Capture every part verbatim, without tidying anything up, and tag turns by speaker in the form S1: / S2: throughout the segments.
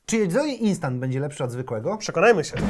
S1: Czy jedzenie instant będzie lepsze od zwykłego?
S2: Przekonajmy się.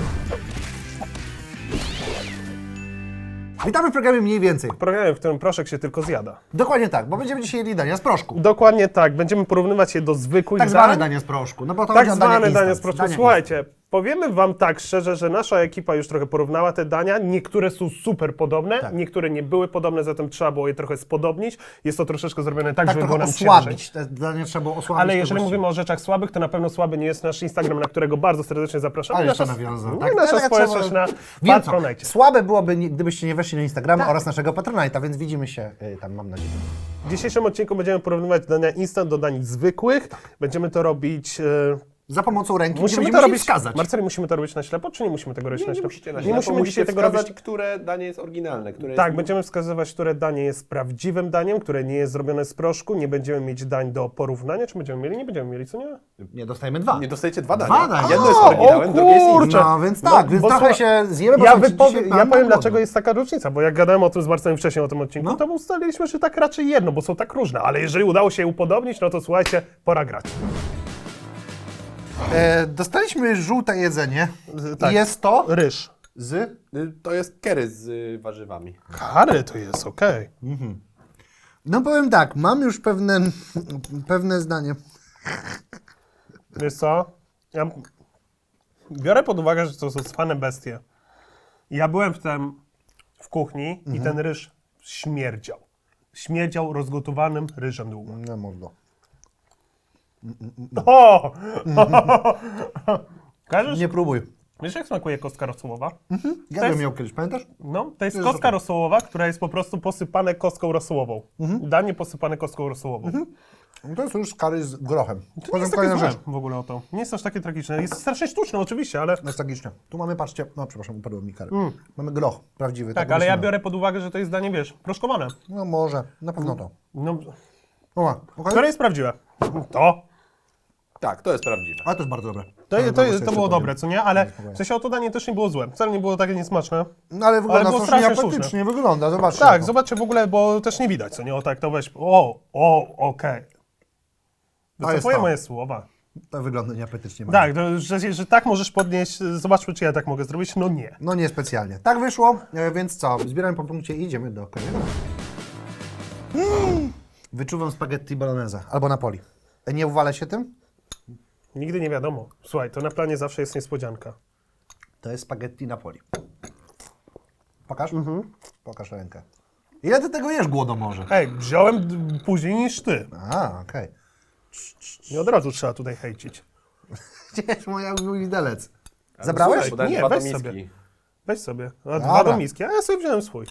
S1: Witamy w programie Mniej Więcej.
S2: W programie, w którym proszek się tylko zjada.
S1: Dokładnie tak, bo będziemy dzisiaj jedli dania z proszku.
S2: Dokładnie tak. Będziemy porównywać je do zwykłych
S1: Tak
S2: dań.
S1: zwane dania z proszku. No bo to
S2: Tak
S1: chodzi o
S2: zwane
S1: dania
S2: dania z proszku. Słuchajcie, powiemy wam tak szczerze, że nasza ekipa już trochę porównała te dania. Niektóre są super podobne,
S1: Tak.
S2: niektóre nie były podobne, zatem trzeba było je trochę spodobnić. Jest to troszeczkę zrobione tak,
S1: Tak
S2: żeby
S1: trochę
S2: było nam
S1: osłabić.
S2: ciężej.
S1: Te dania trzeba było osłabić.
S2: Ale
S1: to
S2: jeżeli
S1: właściwie.
S2: mówimy o rzeczach słabych, to na pewno słaby nie jest nasz Instagram, na którego bardzo serdecznie zapraszamy.
S1: Ale jeszcze
S2: Nasza-
S1: nawiązał.
S2: No,
S1: Tak,
S2: nasza
S1: ale
S2: społeczność
S1: trzeba-
S2: na
S1: Wiem co,
S2: Patronite.
S1: słabe byłoby, nie- gdybyście nie weszli na Instagrama
S2: Tak.
S1: oraz naszego Patronite'a, więc widzimy się y, tam, mam nadzieję.
S2: W dzisiejszym odcinku będziemy porównywać dania instant do dań zwykłych. Będziemy to robić... E,
S1: Za pomocą ręki
S2: musimy
S1: będziemy
S2: to
S1: musieli
S2: robić...
S1: wskazać.
S2: Marceli, musimy to robić na ślepo, czy nie musimy tego robić
S3: Nie,
S2: na
S3: nie
S2: ślepo?
S3: musicie na
S2: Nie
S3: ślepo,
S2: musimy
S3: musicie
S2: dzisiaj tego
S3: wskazać,
S2: robić.
S3: które danie jest oryginalne, które
S2: Tak,
S3: jest...
S2: będziemy wskazywać, które danie jest prawdziwym daniem, które nie jest zrobione z proszku. Nie będziemy mieć dań do porównania. Czy będziemy mieli? Nie będziemy mieli, co nie?
S1: Nie, dostajemy dwa.
S3: Nie dostajecie dwa
S1: Dwa
S3: dania.
S1: dania.
S3: Jedno jest
S2: O,
S3: oryginałem,
S2: o
S3: drugie jest inne.
S2: kurczę.
S1: No więc tak,
S2: No,
S1: więc
S2: bo
S1: trochę
S2: słuchaj,
S1: się zjemy, bo
S2: Ja,
S1: słuchajcie,
S2: wypowiem,
S1: dzisiaj
S2: ja
S1: mamy
S2: powiem,
S1: głodno.
S2: dlaczego jest taka różnica, bo jak gadałem o tym z Marcelem wcześniej o tym odcinku,
S1: No.
S2: to ustaliliśmy, że tak raczej jedno, bo są tak różne, ale jeżeli udało się je upodobnić, no to słuchajcie, pora grać.
S1: E, dostaliśmy żółte jedzenie.
S2: Z- tak.
S1: I jest to
S2: Ryż.
S1: z...
S3: Y, To jest kery z y, warzywami.
S2: Kary to jest, okej.
S1: No powiem tak, mam już pewne, pewne zdanie.
S2: Wiesz co? Ja biorę pod uwagę, że to są cwane bestie. Ja byłem w tym w kuchni i ten ryż śmierdział. Śmierdział rozgotowanym ryżem długo.
S1: No mordo.
S2: O! Kojarzysz?
S1: Nie próbuj.
S2: Wiesz, jak smakuje kostka rosołowa?
S1: Ja
S2: To
S1: bym
S2: jest-
S1: miał kiedyś, pamiętasz?
S2: No, to jest
S1: jest
S2: kostka
S1: okej.
S2: rosołowa, która jest po prostu posypane kostką rosołową. Danie posypane kostką rosołową.
S1: To jest już kary z grochem.
S2: To nie
S1: Potem
S2: jest takie
S1: kolejna
S2: złe
S1: rzecz.
S2: w ogóle o to. Nie jest aż takie tragiczne. Jest strasznie sztuczne oczywiście, ale...
S1: Nostalgicznie. Tu mamy, patrzcie, no przepraszam, upadły mi kary. Mamy groch prawdziwy.
S2: Tak,
S1: go
S2: ale ja
S1: myślimy.
S2: biorę pod uwagę, że to jest danie, wiesz, proszkowane.
S1: No może, na pewno to.
S2: No,
S1: O, okay.
S2: które jest prawdziwe? To.
S3: Tak, to jest prawdziwe.
S1: Ale to jest bardzo dobre.
S2: To,
S1: Ale
S2: to,
S1: zaraz
S2: to,
S1: jeszcze
S2: było
S1: powiem.
S2: dobre, co nie? Ale
S1: spokojnie.
S2: w sensie o to danie też nie było złe. Wcale nie było takie niesmaczne.
S1: No ale wygląda
S2: było
S1: strasznie
S2: strasznie
S1: apetycznie, wygląda, zobaczcie.
S2: Tak,
S1: to.
S2: zobaczcie w ogóle, bo też nie widać, co nie? O tak, to weź. O, o, okej.
S1: To jest
S2: Wycofuję
S1: to.
S2: moje słowa.
S1: To wygląda nieapetycznie.
S2: Tak, to, że, że tak możesz podnieść, zobaczmy, czy ja tak mogę zrobić. No nie.
S1: No niespecjalnie. Tak wyszło, e, więc co? Zbieramy po punkcie i idziemy do kolejnego. Mm. Wyczuwam spaghetti bolognese albo Napoli. E, Nie uwalę się tym?
S2: Nigdy nie wiadomo. Słuchaj, to na planie zawsze jest niespodzianka.
S1: To jest spaghetti Napoli. Pokaż? Pokaż rękę. Ile ty tego jesz, głodomorze?
S2: Ej, wziąłem d- później niż ty.
S1: A, okej.
S2: Nie od razu trzeba tutaj hejcić.
S1: Gdzie jest moja mój widelec?
S3: Ale
S1: Zabrałeś?
S3: słuchaj, podałem
S2: Nie,
S3: dwa do
S2: weź
S3: miski.
S2: sobie. Weź sobie. A
S1: Dobra.
S2: dwa do miski, a ja sobie wziąłem swój.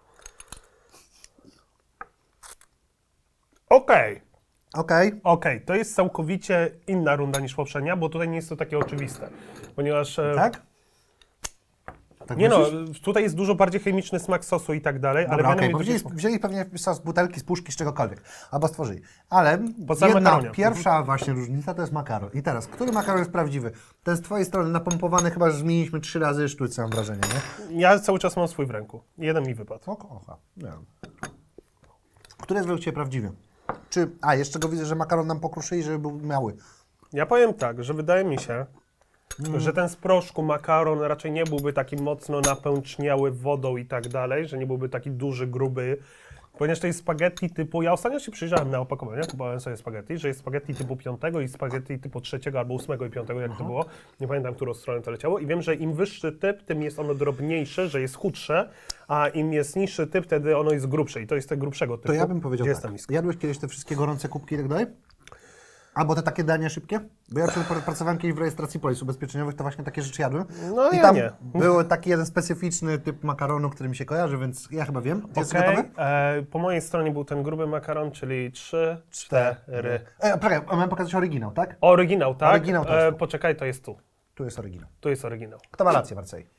S2: Okej.
S1: Okej.
S2: Okej, to jest całkowicie inna runda niż poprzednia, bo tutaj nie jest to takie oczywiste. Ponieważ... e,
S1: Tak? Tak
S2: Nie no,
S1: myślisz?
S2: tutaj jest dużo bardziej chemiczny smak sosu i tak dalej, ale
S1: Dobra,
S2: wiadomo,
S1: okej, bo
S2: że
S1: wzięli,
S2: jest-
S1: wzięli pewnie sos z butelki, z puszki, z czegokolwiek. Albo stworzyli. Ale
S2: Po samym
S1: jedna,
S2: makaronie.
S1: pierwsza właśnie różnica to jest makaron. I teraz, który makaron jest prawdziwy? Ten z twojej strony napompowany, chyba że zmieniliśmy trzy razy sztućce, mam wrażenie, nie?
S2: Ja cały czas mam swój w ręku. Jeden mi wypadł.
S1: Oko, ocha, nie wiem. Który jest według Ciebie prawdziwy? Czy, a jeszcze go widzę, że makaron nam pokruszyli, żeby był mały.
S2: Ja powiem tak, że wydaje mi się,
S1: Mm.
S2: że ten z proszku makaron raczej nie byłby taki mocno napęczniały wodą i tak dalej, że nie byłby taki duży, gruby, ponieważ to jest spaghetti typu, ja ostatnio się przyjrzałem na opakowanie, kupowałem sobie spaghetti, że jest spaghetti typu piątego i spaghetti typu trzeciego albo ósmego i piątego, jak to było, nie pamiętam, którą stronę to leciało i wiem, że im wyższy typ, tym jest ono drobniejsze, że jest chudsze, a im jest niższy typ, wtedy ono jest grubsze i to jest tego grubszego typu.
S1: To ja bym powiedział
S2: Gdzie jest ta
S1: tak.
S2: miska?
S1: Jadłeś kiedyś te wszystkie gorące kubki i tak dalej? Albo te takie dania szybkie? Bo ja przy- pracowałem kiedyś w rejestracji polis ubezpieczeniowych, to właśnie takie rzeczy jadłem.
S2: No
S1: I
S2: ja
S1: tam
S2: nie.
S1: był taki jeden specyficzny typ makaronu, który mi się kojarzy, więc ja chyba wiem. Jest
S2: Okej,
S1: gotowy?
S2: e, po mojej stronie był ten gruby makaron, czyli trzy, cztery.
S1: E, czekaj, mam pokazać oryginał, tak?
S2: Oryginał, tak?
S1: Oryginał to jest
S2: e,
S1: tu.
S2: poczekaj, to jest tu.
S1: Tu jest oryginał.
S2: Tu jest oryginał.
S1: Kto ma rację, Marcej?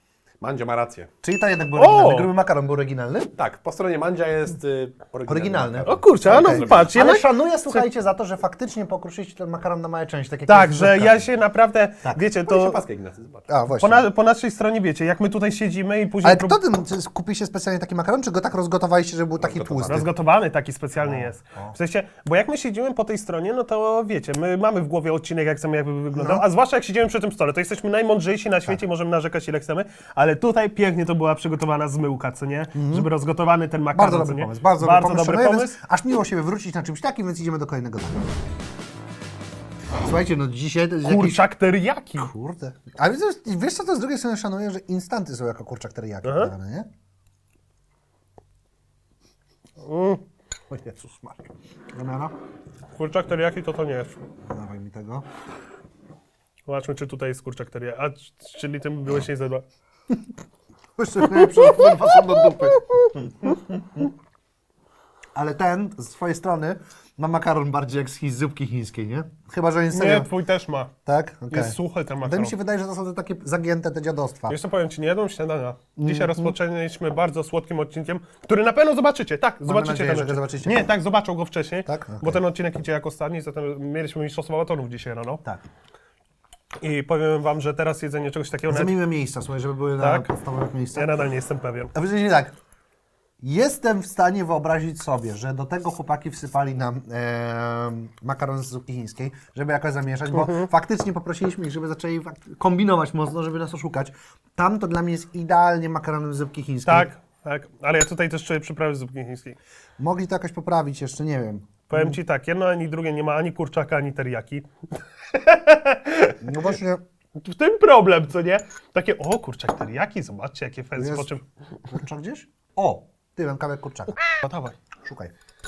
S3: Mandzio ma rację.
S1: Czyli to jednak był
S2: O!
S1: oryginalny. Gruby makaron był oryginalny?
S3: Tak, po stronie Mandzia jest y, oryginalny.
S1: Oryginalny.
S3: makaron.
S2: O kurczę, a no
S1: Okej.
S2: patrz,
S1: Ale
S2: jednak...
S1: szanuję, słuchajcie, za to, że faktycznie pokruszyliście ten makaron na małe części. Tak, jak
S2: Tak,
S1: jest w
S2: że
S1: zupkach.
S2: ja się naprawdę,
S1: Tak.
S2: wiecie,
S3: To...
S2: to
S3: paskę, Ignacy, zobacz.
S1: A, właśnie.
S2: po, na, po naszej stronie, wiecie, jak my tutaj siedzimy i później...
S1: Ale
S2: prób-
S1: kto ten, czy kupiliście specjalnie taki makaron, czy go tak rozgotowaliście, żeby był taki
S3: Rozgotowany.
S1: tłusty?
S2: Rozgotowany taki specjalny jest. W sensie, bo jak my siedzimy po tej stronie, no to wiecie, my mamy w głowie odcinek, jak chcemy, jakby wyglądał,
S1: No.
S2: a zwłaszcza jak siedzimy przy tym stole, to jesteśmy najmądrzejsi na świecie, możemy narzekać ile chcemy, ale tutaj pięknie to była przygotowana zmyłka, co nie? Żeby rozgotowany ten makaron,
S1: Bardzo
S2: co
S1: dobry
S2: nie?
S1: pomysł, bardzo,
S2: bardzo
S1: dobry
S2: dobry
S1: pomysł.
S2: pomysł.
S1: Więc aż miło się wywrócić na czymś takim, więc idziemy do kolejnego dania. Słuchajcie, no dzisiaj to jest jakiś...
S2: Kurczak teriyaki.
S1: Kurde. Ale wiesz, wiesz co, to z drugiej strony szanuję, że instanty są jako kurczak teriyaki
S2: Aha.
S1: podawane, nie?
S2: Mm.
S1: O Jezus Maria. Damiana,
S2: Kurczak teriyaki to to nie jest.
S1: dawaj mi tego.
S2: Zobaczmy, czy tutaj jest kurczak teriyaki. A, c- czyli tym byłeś nie zadba.
S1: Jeszcze najlepsze, kurwa, są do dupy. Ale ten, z twojej strony, ma makaron bardziej jak z chi- zupki chińskiej, nie? Chyba, że jest
S2: Nie,
S1: serio.
S2: twój też ma.
S1: Tak? Okej.
S2: Jest suchy ten
S1: To
S2: makaron.
S1: mi się wydaje, że to są te takie zagięte te dziadostwa.
S2: Jeszcze powiem ci, nie jadłem śniadania.
S1: Mm,
S2: Dzisiaj rozpoczęliśmy bardzo słodkim odcinkiem, który na pewno zobaczycie. Tak, zobaczycie
S1: nadzieję,
S2: ten
S1: że go
S2: odcinek.
S1: zobaczycie.
S2: Nie, tak, zobaczą go wcześniej,
S1: Tak? Okej.
S2: bo ten odcinek idzie jak ostatni, zatem mieliśmy mistrzostwo maratonów dzisiaj rano.
S1: Tak.
S2: I powiem wam, że teraz jedzenie czegoś takiego... Nawet...
S1: Zamieńmy miejsca, słuchaj, żeby były na
S2: Tak?
S1: podstawowych
S2: Ja
S1: miejscach.
S2: nadal nie jestem pewien.
S1: A wiecie, tak. Jestem w stanie wyobrazić sobie, że do tego chłopaki wsypali nam e, makaron z zupki chińskiej, żeby jakoś zamieszać, bo
S2: Mhm.
S1: faktycznie poprosiliśmy ich, żeby zaczęli fak- kombinować mocno, żeby nas oszukać. Tam to dla mnie jest idealnie makaronem z zupki chińskiej.
S2: Tak, tak, ale ja tutaj też czuję przyprawy z zupki chińskiej.
S1: Mogli to jakoś poprawić jeszcze, nie wiem.
S2: Powiem ci tak, jedno ani drugie nie ma ani kurczaka, ani teriyaki.
S1: No właśnie,
S2: W tym problem, co nie? Takie, o kurczak teriyaki, zobaczcie jakie fancy,
S1: Jest.
S2: po czym...
S1: kurczak gdzieś? O, ty, mam kawałek kurczaka.
S2: No dawaj.
S1: Szukaj.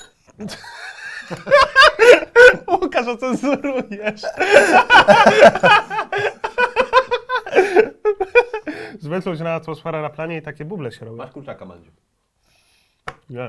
S2: Łukasz, ocenzurujesz. Zbyt na atmosfera na planie i takie buble się robią.
S3: Masz kurczaka, Mandziu.
S2: Nie.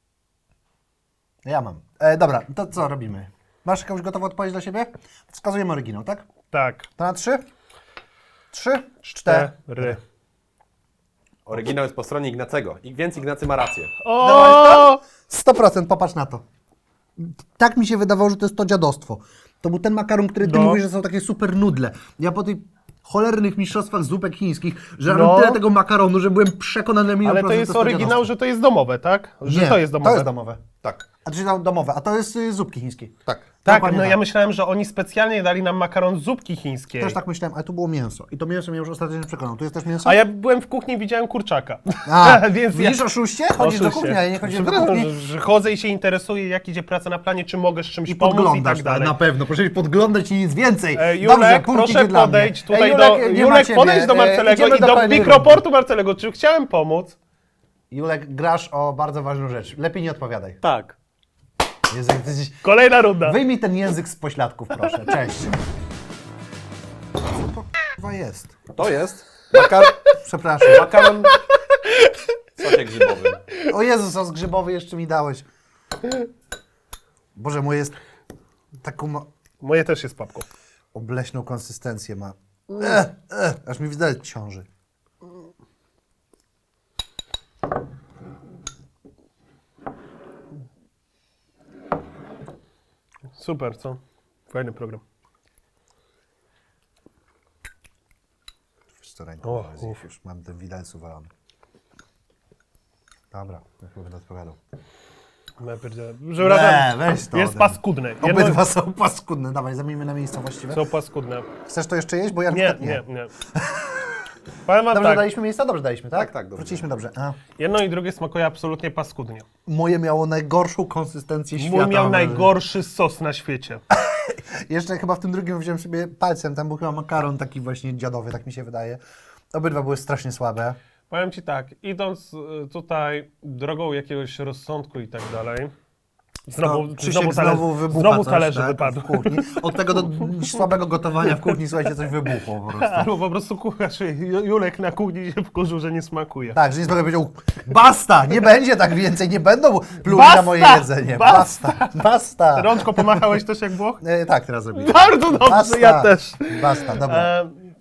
S1: Ja mam. E, dobra, to co robimy? Masz jakąś gotową odpowiedź dla siebie? Wskazujemy oryginał, tak?
S2: Tak.
S1: To na trzy? Trzy? Cztery.
S2: Cztery.
S3: Oryginał jest po stronie Ignacego. I więc Ignacy ma rację.
S2: O!
S1: sto procent, popatrz na to. Tak mi się wydawało, że to jest to dziadostwo. To był ten makaron, który ty
S2: No.
S1: mówisz, że są takie super nudle. Ja po tych cholernych mistrzostwach zupek chińskich, że
S2: No.
S1: mam tyle tego makaronu, że byłem przekonany milion
S2: Ale to
S1: procent,
S2: jest
S1: że
S2: oryginał,
S1: dziadostwo.
S2: że to jest domowe, tak? Że
S1: Nie,
S2: to jest domowe.
S1: To jest domowe.
S3: Tak.
S1: A to się tam domowe, a to jest y, zupki chińskie.
S3: Tak.
S2: Tak,
S1: Dokładnie
S2: no
S1: tak.
S2: ja myślałem, że oni specjalnie dali nam makaron z zupki chińskiej.
S1: Też tak myślałem, ale tu było mięso. I to mięso mnie już ostatecznie przekonał. Tu jest też mięso?
S2: A ja byłem w kuchni i widziałem kurczaka.
S1: A,
S2: Więc
S1: widzisz
S2: ja...
S1: oszuście? Chodzisz do
S2: Oczywiście.
S1: kuchni, a ja nie chodziłem do
S2: Przepraszam,
S1: kuchni.
S2: Że, że chodzę i się interesuję, jak idzie praca na planie, czy mogę z czymś
S1: I
S2: pomóc i
S1: podglądasz,
S2: tak dalej.
S1: na pewno. Proszę podglądać i nic więcej.
S2: E, Julek,
S1: Dobrze, punkt
S2: proszę
S1: idzie dla mnie.
S2: podejdź tutaj
S1: Ej,
S2: do...
S1: Julek, nie ma
S2: Julek,
S1: ciebie.
S2: podejdź do
S1: E,
S2: Marcelego
S1: idziemy
S2: i do
S1: kolejnej
S2: mikroportu Marcelego. Czy chciałem pomóc?
S1: rundy. Julek, grasz o bardzo ważną rzecz. Lepiej nie odpowiadaj.
S2: Tak.
S1: Jezu, ty jesteś...
S2: Kolejna runda.
S1: Wyjmij ten język z pośladków, proszę. Cześć. Co to chyba jest?
S3: To jest makar...
S1: Przepraszam.
S3: makaron w sosie grzybowym.
S1: O Jezu, sos grzybowy jeszcze mi dałeś. Boże, mój jest taką ma...
S2: Moje też jest papką.
S1: obleśną konsystencję ma. Eh, eh, aż mi widelec ciąży.
S2: Super, co? Fajny program.
S1: Wiesz co, ręką
S2: O,
S1: o,
S2: uff.
S1: już mam ten widelec uwalony. Dobra, ja chyba będę odpowiadał.
S2: Ja pierdzielę. Przepraszam.
S1: weź to
S2: Jest
S1: ode mnie.
S2: paskudne. Jedno...
S1: Obydwa są paskudne. Dawaj, zamieńmy na miejsce właściwe.
S2: Są paskudne.
S1: Chcesz to jeszcze jeść? Bo ja na
S2: Nie,
S1: przykład
S2: nie, nie. Powiem wam
S1: Dobrze
S2: tak,
S1: daliśmy miejsca? Dobrze daliśmy, tak?
S3: Tak, tak, dobrze.
S1: Wróciliśmy dobrze. A.
S2: jedno i drugie smakuje absolutnie paskudnie.
S1: Moje miało najgorszą konsystencję świata.
S2: Mój miał
S1: mam
S2: najgorszy sos na świecie.
S1: wrażenie. Jeszcze chyba w tym drugim wziąłem sobie palcem, tam był chyba makaron taki właśnie dziadowy, tak mi się wydaje. Obydwa były strasznie słabe.
S2: Powiem ci tak, idąc y, tutaj drogą jakiegoś rozsądku i tak dalej, znowu,
S1: No, Krzysiek
S2: znowu,
S1: znowu,
S2: talerz,
S1: wybucha
S2: znowu
S1: coś,
S2: talerze
S1: tak,
S2: wypadły.
S1: w kuchni. Od tego do słabego gotowania w kuchni, słuchajcie, coś wybuchło po prostu.
S2: Albo po prostu kucharz Ju- Julek na kuchni się wkurzył, że nie smakuje.
S1: Tak, że nie powiedział, basta, nie będzie tak więcej, nie będą pluli
S2: Basta!
S1: na moje jedzenie.
S2: Basta!
S1: Basta, basta.
S2: Rączko pomachałeś też jak Włoch?
S1: E, tak, teraz zrobię.
S2: Bardzo dobrze,
S1: Basta.
S2: ja też.
S1: Basta, dobra.
S2: E,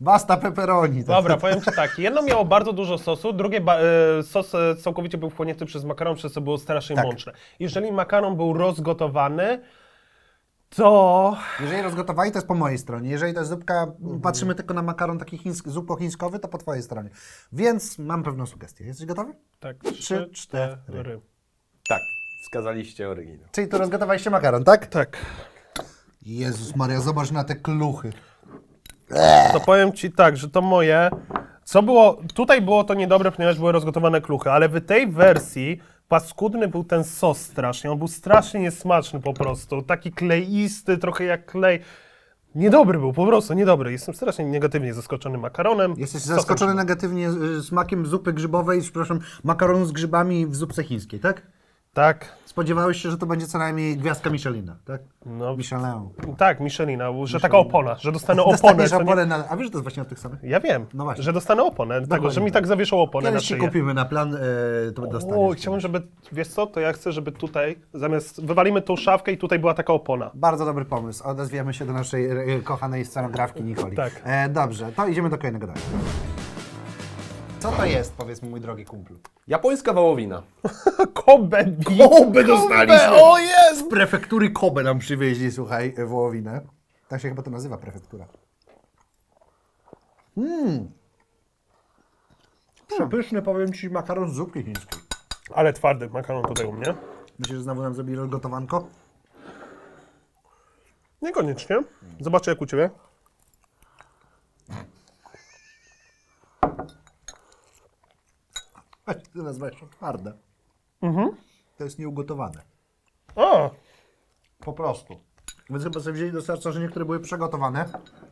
S1: Basta pepperoni. Tak.
S2: Dobra, powiem Ci tak, jedno miało bardzo dużo sosu, drugie ba- e, sos e, całkowicie był wchłonięty przez makaron, przez co było strasznie
S1: Tak.
S2: mączne. Jeżeli makaron był rozgotowany, to...
S1: Jeżeli rozgotowali, to jest po mojej stronie. Jeżeli to jest zupka, patrzymy tylko na makaron taki chiński, zupo-chińskowy, to po twojej stronie. Więc mam pewną sugestię. Jesteś gotowy?
S2: Tak,
S1: Trzy,
S2: trzy,
S1: cztery.
S2: cztery.
S3: Tak, wskazaliście oryginał.
S1: Czyli to rozgotowaliście makaron, tak?
S2: Tak.
S1: Jezus Maria, zobacz na te kluchy.
S2: To powiem Ci tak, że to moje... Co było... Tutaj było to niedobre, ponieważ były rozgotowane kluchy, ale w tej wersji paskudny był ten sos strasznie. On był strasznie niesmaczny po prostu. Taki kleisty, trochę jak klej. Niedobry był, po prostu niedobry. Jestem strasznie negatywnie zaskoczony makaronem.
S1: Jesteś
S2: Sosem
S1: zaskoczony
S2: grzybowym.
S1: negatywnie y, smakiem zupy grzybowej, przepraszam, makaronu z grzybami w zupce chińskiej, tak?
S2: Tak.
S1: Spodziewałeś się, że to będzie co najmniej gwiazdka Michelina, tak?
S2: No,
S1: Michelin.
S2: tak, Michelina, że taka opona, że dostanę oponę.
S1: Dostaniesz
S2: co nie-
S1: oponę na... A wiesz, że to jest właśnie od tych samych?
S2: Ja wiem,
S1: No właśnie.
S2: że dostanę oponę, tego, że mi tak zawieszą oponę na
S1: Kiedyś ci
S2: szyję.
S1: kupimy na plan, y, to dostaniesz.
S2: O, chciałbym, żeby, wiesz co, to ja chcę, żeby tutaj, zamiast, wywalimy tą szafkę i tutaj była taka opona.
S1: Bardzo dobry pomysł. Odezwiemy się do naszej e, kochanej scenografki Nikoli.
S2: Tak.
S1: E, dobrze, to idziemy do kolejnego dania. Co to jest, powiedz mi, mój drogi kumplu?
S3: Japońska wołowina.
S2: Kobe beef.
S1: Kobe dostaliśmy!
S2: O jest!
S1: Z prefektury Kobe nam przywieźli, słuchaj, e, wołowinę. Tak się chyba to nazywa, prefektura. Mmm. Przepyszny, powiem ci, makaron z zupki chińskiej.
S2: Ale twardy makaron tutaj u mnie.
S1: Myślisz, że znowu nam zrobili rozgotowanko?
S2: Niekoniecznie. Zobaczę jak u Ciebie.
S1: Weź, ty nazwałeś to twarde. To jest nieugotowane.
S2: O!
S1: Po prostu. Więc chyba sobie wzięli do serca, że niektóre były przegotowane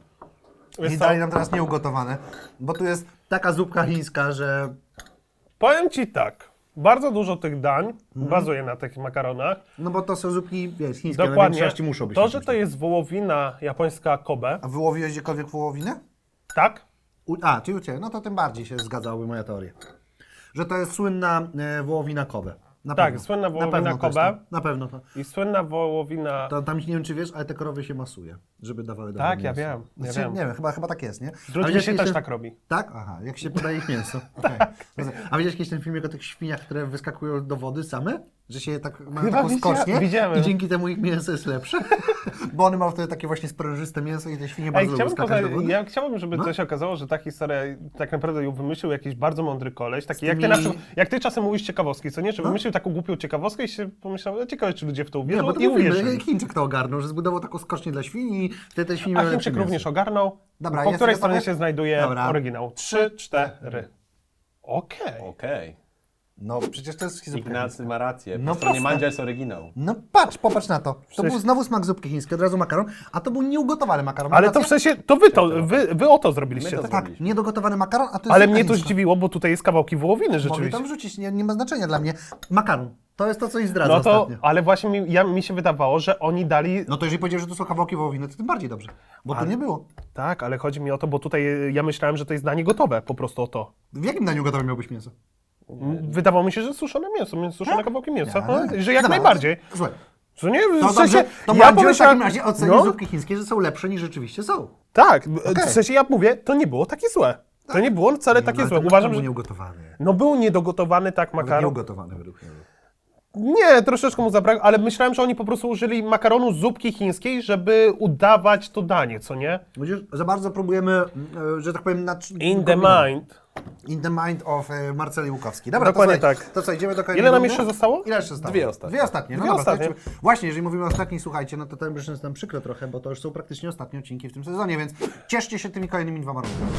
S2: Wiesz
S1: i
S2: co?
S1: dali nam teraz nieugotowane. Bo tu jest taka zupka chińska, że
S2: Powiem Ci tak. Bardzo dużo tych dań
S1: Mhm.
S2: bazuje na tych makaronach.
S1: no bo to są zupki, wiesz, chińskie, ale w
S2: Dokładnie.
S1: większości muszą być.
S2: To,
S1: takie
S2: że to
S1: zupki.
S2: jest wołowina japońska Kobe,
S1: A wyłowiłeś gdziekolwiek wołowinę?
S2: tak?
S1: U... A, czyli u Ciebie. No to tym bardziej się zgadzałaby moja teoria. Że to jest słynna e, wołowina Kobe. Na
S2: Tak,
S1: pewno.
S2: słynna
S1: Na
S2: wołowina
S1: pewno to jest
S2: Kobe.
S1: to. Na pewno to.
S2: I słynna wołowina...
S1: to. Tam nie wiem, czy wiesz, ale te krowy się masuje, żeby dawały dobre
S2: Tak, ja
S1: mięso.
S2: wiem, ja
S1: Znaczy,
S2: wiem.
S1: Nie wiem, chyba, chyba tak jest, nie?
S2: Z
S1: A
S2: ludźmi
S1: widziałeś
S2: się
S1: kiedyś
S2: też
S1: ten-
S2: tak robi.
S1: Tak? Aha, jak się podaje ich mięso. Okay. A widziałeś kiedyś ten filmik o tych świniach, które wyskakują do wody same? Że się tak mają
S2: Chyba
S1: taką
S2: widzia-
S1: skocznię
S2: widziałem.
S1: i dzięki temu ich mięso jest lepsze? Bo one mają wtedy takie właśnie sprężyste mięso i te świnie bardzo
S2: Ej,
S1: lubią
S2: chciałbym,
S1: skakać do
S2: poza,
S1: wody.
S2: ja chciałbym, żeby
S1: No.
S2: coś okazało, że ta historia tak naprawdę ją wymyślił jakiś bardzo mądry koleś. Taki, jak, ty
S1: tymi-
S2: na, przykład- jak ty czasem mówisz ciekawostki, co nie? Że
S1: No.
S2: wymyślił taką głupią ciekawostkę i się pomyślał, e, ciekawe, czy ludzie w to
S1: Nie,
S2: uwierzą
S1: bo to
S2: i
S1: był film,
S2: uwierzyli.
S1: Chińczyk to ogarnął, że zbudował taką skocznię dla świni i wtedy te świnie
S2: A
S1: miały
S2: Chińczyk
S1: lepsze
S2: również
S1: mięso.
S2: ogarnął.
S1: Dobra,
S2: po
S1: jesteś
S2: której
S1: gotowy?
S2: stronie się znajduje
S1: Dobra.
S2: oryginał? Trzy, cztery. Okej.
S3: Okej.
S1: No przecież to jest zupka chińska.
S3: Ignacy ma rację. Po
S1: No
S3: stronie
S1: proste.
S3: Mandzia jest oryginał.
S1: No patrz, popatrz na to. To
S2: Przecież-
S1: był znowu smak zupki chińskiej, od razu makaron, a to był nieugotowany makaron.
S2: Ale
S1: Masz
S2: to w
S1: rację?
S2: sensie, to wy to, wy, wy o to zrobiliście.
S3: My to
S2: tak?
S1: Tak,
S3: zrobiliśmy.
S1: niedogotowany makaron, a to jest
S2: Ale
S1: zupka
S2: mnie to
S1: chińska.
S2: zdziwiło, bo tutaj jest kawałki wołowiny
S1: Mogli
S2: rzeczywiście.
S1: tam wrzucić, nie, nie ma znaczenia dla mnie. Makaron, to jest to, co ich zdradza
S2: No to,
S1: ostatnio.
S2: ale właśnie mi, ja, mi się wydawało, że oni dali...
S1: No to jeżeli powiedział, że to są kawałki wołowiny, to tym bardziej dobrze. Bo tu nie było.
S2: Tak, ale chodzi mi o to, bo tutaj e, ja myślałem, że to jest danie gotowe, po prostu o to.
S1: W jakim daniu gotowym miałbyś mięso?
S2: Wydawało mi się, że suszone mięso, mięso suszone kawałki mięsa,
S1: Tak?
S2: no, że jak
S1: Dobra,
S2: najbardziej.
S1: Słuchaj,
S2: Co nie?
S1: to
S2: W sensie,
S1: dobrze, to
S2: ja
S1: Mandzio w
S2: pomyślałem-
S1: takim razie oceni
S2: no,
S1: zupki chińskie, że są lepsze niż rzeczywiście są.
S2: tak,
S1: Okej.
S2: w sensie ja mówię, to nie było takie złe. To nie było wcale takie
S1: No, ale
S2: złe.
S1: ten
S2: Uważam,
S1: makaron był
S2: że
S1: nieugotowany.
S2: no był niedogotowany tak
S1: Nawet
S2: makaron.
S1: Nieugotowany według mnie.
S2: Nie, troszeczkę mu zabrakło, ale myślałem, że oni po prostu użyli makaronu z zupki chińskiej, żeby udawać to danie, co nie?
S1: Widzisz, za bardzo próbujemy, e, że tak powiem, na...
S2: In the mind.
S1: In the mind of e, Marceli Łukowski. Dobra,
S2: Dokładnie
S1: to, słuchaj,
S2: tak.
S1: To co, idziemy do kolejnego
S2: Ile nam
S1: rundy?
S2: jeszcze zostało?
S1: Ile jeszcze zostało?
S3: Dwie ostatnie.
S1: Dwie ostatnie. No
S2: Dwie
S1: dobra, to
S2: ostatnie.
S1: lecimy. Właśnie, jeżeli mówimy o ostatnich, słuchajcie, no to to już jest nam przykro trochę, bo to już są praktycznie ostatnie odcinki w tym sezonie, więc cieszcie się tymi kolejnymi dwoma rundami.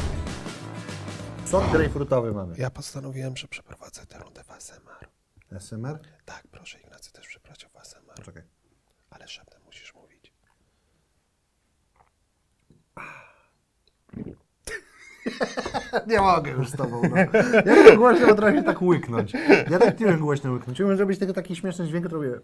S1: Sok grejpfrutowy mamy.
S2: Ja postanowiłem, że przeprowadzę tę rundę w A S M R.
S1: S M R?
S2: Tak, proszę Ignacy też przepraszam w A S M R.
S1: Poczekaj.
S2: Ale szeptem musisz mówić.
S1: Nie mogę już z tobą, no. Ja tak głośno potrafię tak łyknąć. Ja tak nie wiem głośno łyknąć. Umiem zrobić tego taki śmieszny dźwięk, to robię...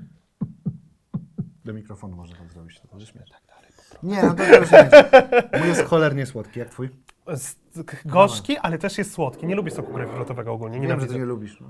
S1: Do mikrofonu można tak zrobić. To możesz mieć.
S2: Tak dalej.
S1: Nie, no to już nie będzie. Mój jest cholernie słodki, jak twój?
S2: Z- Gorzki, ale też jest słodki. Nie lubię soku grejpfrutowego ogólnie.
S1: Wiem, że
S2: Nienawidzę.
S1: ty nie lubisz. No.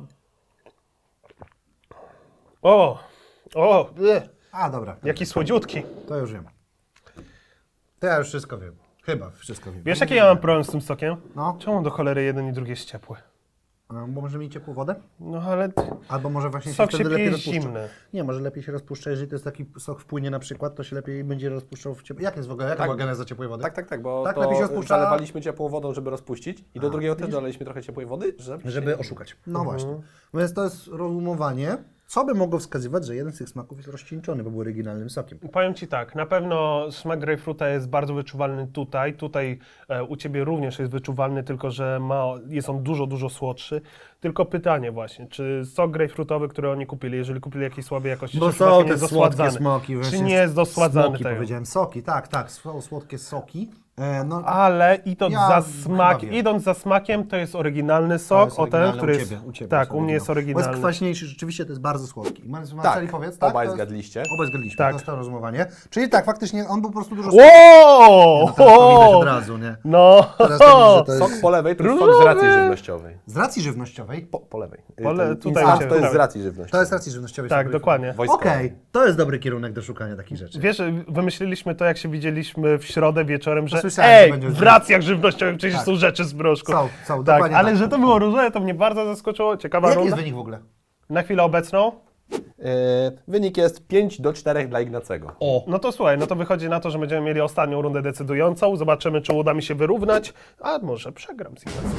S2: O! O! bleh,
S1: A, dobra.
S2: Jaki słodziutki.
S1: To już wiem. To ja już wszystko wiem. Chyba, wszystko wiem.
S2: Wiesz, jaki ja mam problem z tym sokiem?
S1: No.
S2: Czemu do cholery jeden i drugi jest ciepły?
S1: A, bo może mieć ciepłą wodę?
S2: No ale
S1: Albo może właśnie
S2: sok
S1: się
S2: się
S1: wtedy lepiej
S2: pije
S1: rozpuszcza.
S2: zimny.
S1: Nie, może lepiej się rozpuszcza, jeżeli to jest taki sok wpłynie na przykład, to się lepiej będzie rozpuszczał w ciepłej. Jak jest w ogóle? Jaka
S3: Tak.
S1: była geneza ciepłej wody?
S3: Tak, tak, tak, bo
S1: Tak,
S3: to
S1: lepiej się rozpuszcza-
S3: zalewaliśmy ciepłą wodą, żeby rozpuścić i do
S1: A,
S3: drugiego też
S1: widzisz?
S3: dolaliśmy trochę ciepłej wody, żeby...
S1: Żeby oszukać. No
S2: Mhm.
S1: właśnie. Więc to jest rozumowanie, co by mogło wskazywać, że jeden z tych smaków jest rozcieńczony, bo był oryginalnym sokiem.
S2: Powiem Ci tak, na pewno smak grejpfruta jest bardzo wyczuwalny tutaj. Tutaj e, u Ciebie również jest wyczuwalny, tylko że ma, jest on dużo, dużo słodszy. Tylko pytanie właśnie, czy sok grejpfrutowy, który oni kupili, jeżeli kupili jakiś słabej jakości,
S1: Bo
S2: czy przypadkiem
S1: są
S2: nie
S1: te
S2: jest
S1: słodkie
S2: dosładzany?
S1: smoki.
S2: Czy
S1: właśnie
S2: nie jest dosładzany
S1: Smoki
S2: tego?
S1: powiedziałem, soki, tak, tak, są słodkie soki. E, no,
S2: Ale idąc,
S1: Ja
S2: za
S1: chyba
S2: smak,
S1: wiem.
S2: idąc za smakiem, to jest oryginalny
S1: to
S2: sok,
S1: jest
S2: o ten,
S1: oryginalne
S2: który
S1: u
S2: jest...
S1: ciebie, u ciebie
S2: tak, u mnie jest
S1: Bo jest
S2: oryginalny.
S1: kwaśniejszy, rzeczywiście to jest bardzo słodki. I Marceli,
S3: Tak,
S1: powiedz, tak?
S3: obaj
S1: to jest-
S3: zgadliście.
S1: Obaj zgadliśmy,
S2: Tak.
S1: to jest to rozumowanie. Czyli tak, faktycznie on był po prostu dużo
S2: Wow!
S1: No teraz to widać od razu, nie?
S2: No,
S1: Teraz to widzę, że to jest
S3: Sok po lewej to jest sok
S2: Różowy!
S3: z racji żywnościowej.
S1: z racji żywnościowej.
S3: Po, po lewej.
S2: Pole-
S3: Ten
S2: tutaj
S3: instant
S2: u ciebie,
S3: to jest
S2: prawej.
S3: z racji żywnościowej.
S1: To jest z racji żywnościowej.
S2: tak,
S1: sobie
S2: dokładnie.
S3: Wojskowej.
S1: Okej, to jest dobry kierunek do szukania takich rzeczy.
S2: Wiesz, wymyśliliśmy to, jak się widzieliśmy w środę wieczorem, że
S1: Słyszałem, że
S2: ej,
S1: będzie-
S2: w racjach żywnościowych przecież
S1: Tak.
S2: są rzeczy z broszku.
S1: Są, są,
S2: tak,
S1: dokładnie
S2: ale
S1: tak.
S2: że to było różowe, to mnie bardzo zaskoczyło. Ciekawa
S1: Jaki
S2: runda.
S1: jest wynik w ogóle?
S2: Na chwilę obecną.
S3: Yy, wynik jest pięć do czterech dla Ignacego.
S2: O. No to słuchaj, no to wychodzi na to, że będziemy mieli ostatnią rundę decydującą. Zobaczymy, czy uda mi się wyrównać, a może przegram z Ignacym.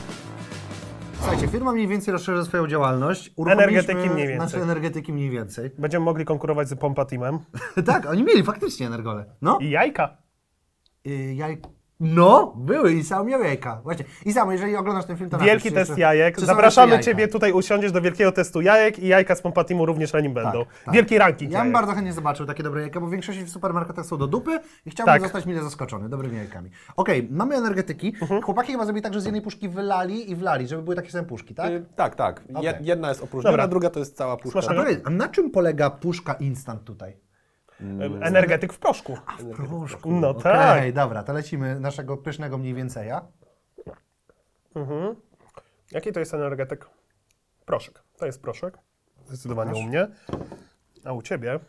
S1: Słuchajcie, firma mniej więcej rozszerza swoją działalność. Uruchomiliśmy-
S2: Energetyki mniej więcej.
S1: Znaczy energetyki mniej więcej.
S2: Będziemy mogli konkurować z Pompa Teamem.
S1: tak, oni mieli faktycznie energole. No.
S2: I jajka.
S1: Y, jaj... No, były i sam miał jajka. Właśnie. I sam, jeżeli oglądasz ten film, to napisz,
S2: Wielki
S1: czy
S2: test
S1: jeszcze-
S2: jajek.
S1: czy są
S2: Zapraszamy
S1: jeszcze jajka.
S2: Ciebie tutaj, usiądziesz do wielkiego testu jajek i jajka z Pompa Teamu również na nim będą.
S1: tak.
S2: Wielki ranking
S1: Ja bym
S2: jajek.
S1: bardzo chętnie zobaczył takie dobre jajka, bo w większości w supermarketach są do dupy i chciałbym
S2: Tak.
S1: zostać mile zaskoczony dobrymi jajkami. Okej, mamy energetyki.
S2: Mhm.
S1: Chłopaki chyba zrobili tak, że z jednej puszki wylali i wlali, żeby były takie same puszki, tak?
S3: Yy, tak, tak. Je,
S1: Okej.
S3: Jedna jest opróżniona,
S2: Dobra.
S3: druga to jest cała puszka.
S2: Smacznego.
S1: A, powiedz, a na czym polega puszka instant tutaj?
S2: Energetyk w proszku.
S1: Proszku.
S2: No
S1: Okej,
S2: tak.
S1: dobra, to lecimy naszego pysznego mniej więceja.
S2: Mhm. Jaki to jest energetyk? Proszek. To jest proszek. Zdecydowanie u mnie. A u Ciebie?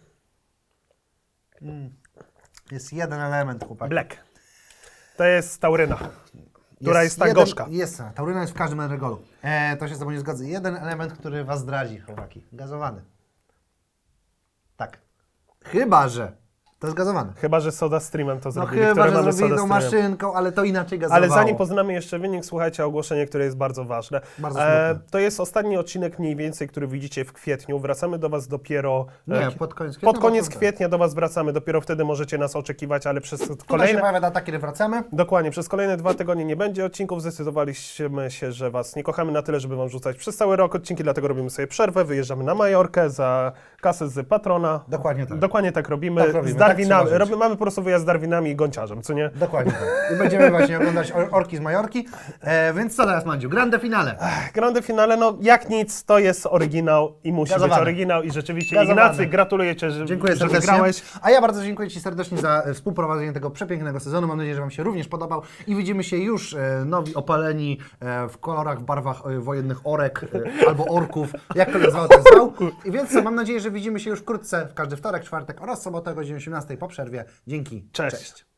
S1: Jest jeden element, chłopaki.
S2: Black. To jest tauryna, która jest, tak
S1: jeden-
S2: gorzka.
S1: Jest, tauryna jest w każdym energolu. E, to się z tobą nie zgodzę. Jeden element, który was zdradzi, chłopaki. Gazowany. Tak. Chyba, że to jest gazowane.
S2: Chyba, że Soda Streamem to
S1: No
S2: zrobili,
S1: chyba,
S2: które
S1: że
S2: mamy
S1: zrobili
S2: Soda
S1: tą
S2: Streamem.
S1: maszynką, ale to inaczej gazowało.
S2: Ale zanim poznamy jeszcze wynik, słuchajcie ogłoszenie, które jest bardzo ważne.
S1: Bardzo smutne.
S2: to jest ostatni odcinek mniej więcej, który widzicie w kwietniu. Wracamy do Was dopiero... e,
S1: Nie, pod koniec kwietnia.
S2: pod koniec
S1: bo to-
S2: kwietnia do Was wracamy. Dopiero wtedy możecie nas oczekiwać, ale przez
S1: Tutaj się
S2: kolejne...
S1: pojawia data, kiedy wracamy.
S2: Dokładnie, przez kolejne dwa tygodnie nie będzie odcinków. Zdecydowaliśmy się, że Was nie kochamy na tyle, żeby Wam rzucać przez cały rok odcinki, dlatego robimy sobie przerwę, wyjeżdżamy na Majorkę za kasę z patrona.
S1: Dokładnie tak.
S2: Dokładnie tak robimy.
S1: Tak robimy,
S2: z
S1: tak
S2: Darwinami.
S1: trzeba żyć.
S2: Robi, mamy po prostu wyjazd z Darwinami i Gąciarzem, co nie?
S1: Dokładnie tak. I będziemy właśnie oglądać or- orki z Majorki. E, więc co teraz, Mandziu? Grande finale.
S2: Grande finale, no jak nic, to jest oryginał i musi
S1: Gazowany.
S2: być oryginał i rzeczywiście
S1: Gazowany.
S2: Ignacy, gratuluję Cię, że,
S1: Dziękuję
S2: że
S1: serdecznie.
S2: wygrałeś.
S1: A ja bardzo dziękuję Ci serdecznie za e, współprowadzenie tego przepięknego sezonu. Mam nadzieję, że Wam się również podobał i widzimy się już e, nowi, opaleni e, w kolorach, w barwach e, wojennych orek e, albo orków, jak to nazwał, ten zwał. I więc co, mam nadzieję, że widzimy się już wkrótce w każdy wtorek, czwartek oraz sobotę o godzinie osiemnastej po przerwie. Dzięki.
S2: Cześć.